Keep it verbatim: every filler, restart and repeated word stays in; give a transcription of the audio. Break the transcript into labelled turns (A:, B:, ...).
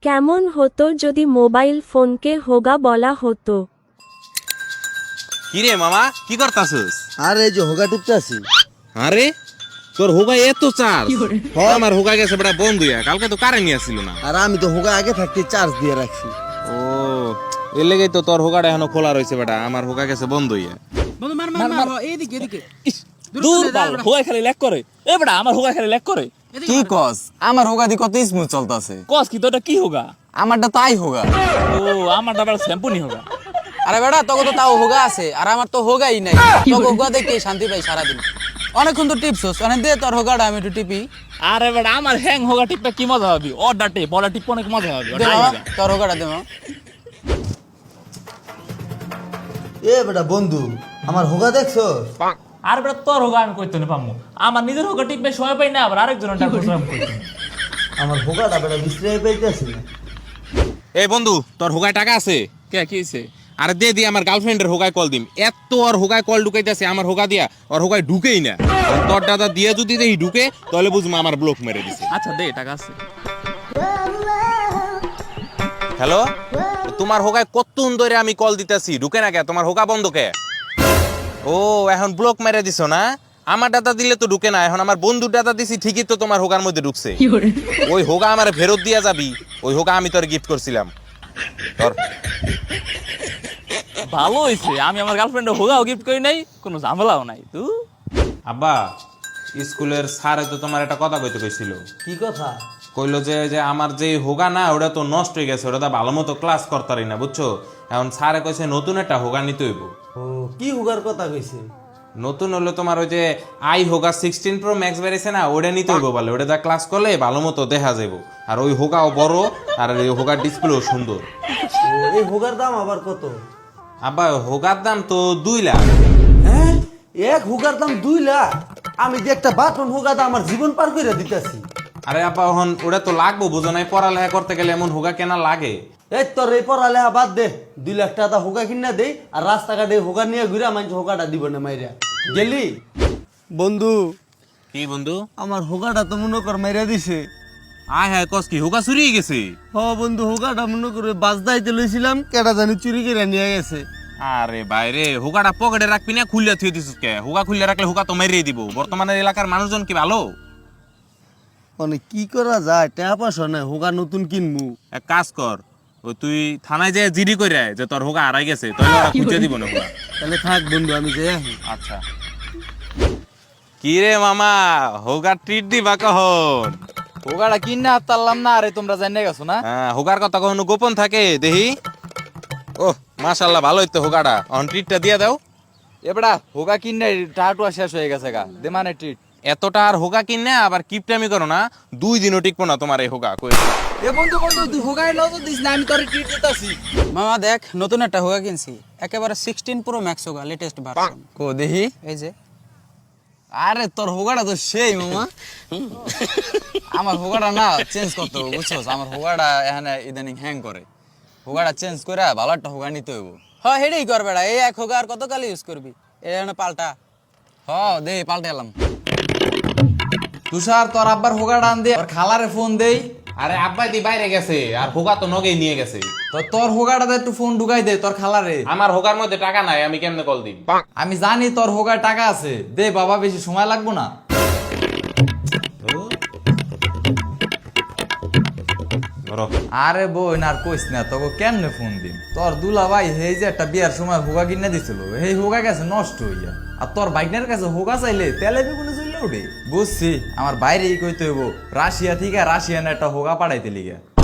A: কেমন হতো যদি মোবাইল ফোনকে হোগা বলা হতো?
B: কিরে মামা কি করতাছস?
C: আর এই যে হোগা টুকতাছি।
B: আরে তোর হোগা এত চার্জ? আমার হোগা গেছে বড় বন্ধ হইয়া, কালকে তো কারেন্ট আসছিল না।
C: আর আমি তো হোগা আগে থাকতে চার্জ দিয়ে রাখছি।
B: ও এর লেগেই তো তোর হোগাটা এখনো খোলা রয়েছে বেটা, আমার হোগা গেছে বন্ধ হইয়া।
D: বন্ধু মার মার মার এইদিকে এদিকে
E: দূর বাল হোগা খালি ল্যাক করে। এ বেটা আমার হোগা খালি ল্যাক করে।
F: কি কস? আমার হোগা দি কত স্মুথ চলতেছে।
E: কস কি তোটা কি হোগা?
F: আমারটা তাই হোগা।
E: ও আমারটা বড় শ্যাম্পু নি হোগা।
F: আরে বেটা তোকে তো তাও হোগা আছে, আর আমার তো হোগাই নাই। তোকে হোগা দেখতে শান্তি পাই সারাদিন। অনেকক্ষণ তো টিপছস, অনেক দে তোর হোগাটা আমি একটু টিপি।
E: আরে বেটা আমার হ্যাং হোগা টিপটা কি মজা হবে? অর্ডার টিপ বড় টিপ অনেক মজা হবে।
F: দে মামা, তোর হোগাটা দে মামা।
C: এ বেটা বন্ধু, আমার হোগা দেখছো?
E: আর বেটা তোর হোগা আমি কইতে না পামু। আমার নিজের হোগা টিপবে সময় পাই না, আবার আরেকজনের টাকা খরচ আমি কইতে।
C: আমার হোগাটা বেটা বিশ্রাই পাইতেছি না।
B: এই বন্ধু তোর হোগায় টাকা আছে?
E: কে কি হইছে?
B: আরে দে দি আমার গার্লফ্রেন্ডের হোগায় কল দিম। এত ওর হোগায় কল ঢুকাইতেছে আমার হোগা দিয়া, ওর হোগায় ঢুকেই না। আর তোর দাদা দিয়ে যদি দেই ঢুকে তাহলে বুঝবো আমার ব্লক মেরে দিছে।
E: আচ্ছা দে টাকা আছে।
B: হ্যালো, তোমার হোগায় কতক্ষণ ধরে আমি কল দিতেছি, ঢুকে না কে? তোমার হোগা বন্ধ কে? ও এখন ব্লক মেরে দিছো না? আমার দাদা দিলে তো ঢুকে না, এখন আমার বন্ধুর দাদা দিছি ঠিকই তো তোমার হোগার মধ্যে ঢুকছে। ওই হোগা আমার ফেরত দিয়া যাবি, ওই হোগা আমি তোর গিফট করছিলাম। তোর
E: ভালো হইছে আমি আমার গার্লফ্রেন্ডের হোগাও গিফট করি নাই, কোনো ঝামেলাও নাই। তুই
B: আব্বা স্কুলের স্যারে তো তোমার একটা কথা কইতে কইছিল।
C: কি কথা?
B: কইলো যে যে আমার যে হোগা না ওটা তো নষ্ট হয়ে গেছে, ওটা তো ভালো মতো ক্লাস করতারি না, বুঝছো? এখন স্যারে কইছে নতুন একটা হোগা নিতে হইব।
C: ও কি হোগার কথা কইছে?
B: নতুন হলো তোমার ওই যে আই হোগা সিক্সটিন প্রো ম্যাক্স বেরিয়েছে না, ওটা নিতে হইব বলে। ওটা যা ক্লাস করলে ভালো মতো দেখা যাবো, আর ওই হোগাও বড়, আর ওই হোগার ডিসপ্লেও সুন্দর।
C: ও এই হোগার দাম আবার কত?
B: আব্বা হোগার দাম তো দুই লাখ।
C: হ্যাঁ, এক হোগার দাম দুই লাখ? আমি যে একটা বাটন হোগা দাম আমার জীবন পার করে দিতেছি।
B: আরে আব্বা এখন ওটা তো লাগবো, বুঝো নাই? পড়ালেখা করতে গেলে এমন হোগা কেনা লাগে।
C: এই তোর এই পড়ালেখা বাদ দে, দুই লাখ টাকা হোগা কিনা দেই, আর রাস্তাঘাটে হোগা নিয়ে ঘুরে মানুষ হোগাটা দিব না মাইরা গেলি। বন্ধু
B: কি বন্ধু?
C: আমার হোগাটা তো মনে কর মাইরা দিছে।
B: আয় হ্যাঁ কস কি হোগা চুরি গেছে?
C: হ বন্ধু, হোগাটা মনে করে বাজদাইতে লইছিলাম, কেডা জানি চুরি করে নিয়ে গেছে।
B: আরে বাইরে হোগাটা পকেটে রাখবি না, খুললে থুয়ে দিছিস কে? হোগা খুললে রাখলে হোগা তো মেরিয়ে দিব। বর্তমানে এলাকার মানুষজন কি ভালো?
C: মানে কি করা যায়, টাকা পয়সা নাই, হোগা নতুন কিনবো।
B: এক কাজ কর, ওই তুই থানায় যায় জিডি করে আয় যে তোর হোগা হারাই গেছে, তাহলে ওরা খুঁজে দিব না হোগা।
C: তাহলে থাক বন্ধু, আমি যাই আসি।
B: আচ্ছা কি রে মামা, হোগা ট্রিট দিবা কখন?
F: হোগাটা কিনা তারলাম না, আরে তোমরা জানিয়ে গেছো না?
B: হ্যাঁ হোগার কথা কখনো গোপন থাকে দেখি? ও মাশাআল্লাহ ভালোই তো হোগাটা, অন ট্রিটটা দিয়ে দাও।
F: এবড়া হোগা কিনে টাটুয়া শেষ হয়ে গেছে গা, দে মানে ট্রিট।
B: এতটা আর হোগা কিনে আবার কিপটামি করো না, দুই দিনও টিকবো না তোমার এই হোগা। কই
F: এ বন্ধু বন্ধু তুই হোগায় নজর দিস না, আমি তোর ট্রিট দিতাছি। মামা দেখ নতুন একটা হোগা কিনছি, একেবারে সিক্সটিন প্রো ম্যাক্স হোগা, লেটেস্ট ভার্সন। কো দেখি, এই যে। আরে তোর হোগাটা তো সেই মামা। আমার হোগাটা না চেঞ্জ করতে হবে, বুঝছস? আমার হোগাটা এখানে ইদানিং হ্যাং করে। হোগাটা চেঞ্জ করে ভালো একটা হোগা নিতে হইব। হ্যাঁ হেডেই কর বেড়া, এই এক হোগা আর কত কালি ইউজ করবি? এখানে পাল্টা। হ দে পাল্টে এলাম। তুষার তোর আব্বার হোগাটা আন দে, আর খালারে ফোন দেই।
B: আরে আব্বাই দি বাইরে গেছে, আর হোগা তো নগেই নিয়ে গেছে।
F: তো তোর হোগাটাতে একটু ফোন ঢুকাই দে তোর খালারে।
B: আমার হোগার মধ্যে টাকা নাই, আমি কেমনে কল দিই?
F: আমি জানি তোর হোগায় টাকা আছে, দে বাবা, বেশি সময় লাগবো না।
B: ধরো।
F: আরে বোন আর কইস না, তোকে কেমনে ফোন দিন? তোর দুলা ভাই এই যে একটা বিয়ার সময় হোগা কিনে দিছিল, এই হোগা গেছে নষ্ট হইয়া। আর তোর বাইকনের কাছে হোগা চাইলে তেলে বেগুনে চলে উঠে। বুঝছি, আমার বাইরেই কইতে হইব রাশিয়া থেকে রাশিয়ান একটা হোগা পাঠাইতে লিগা।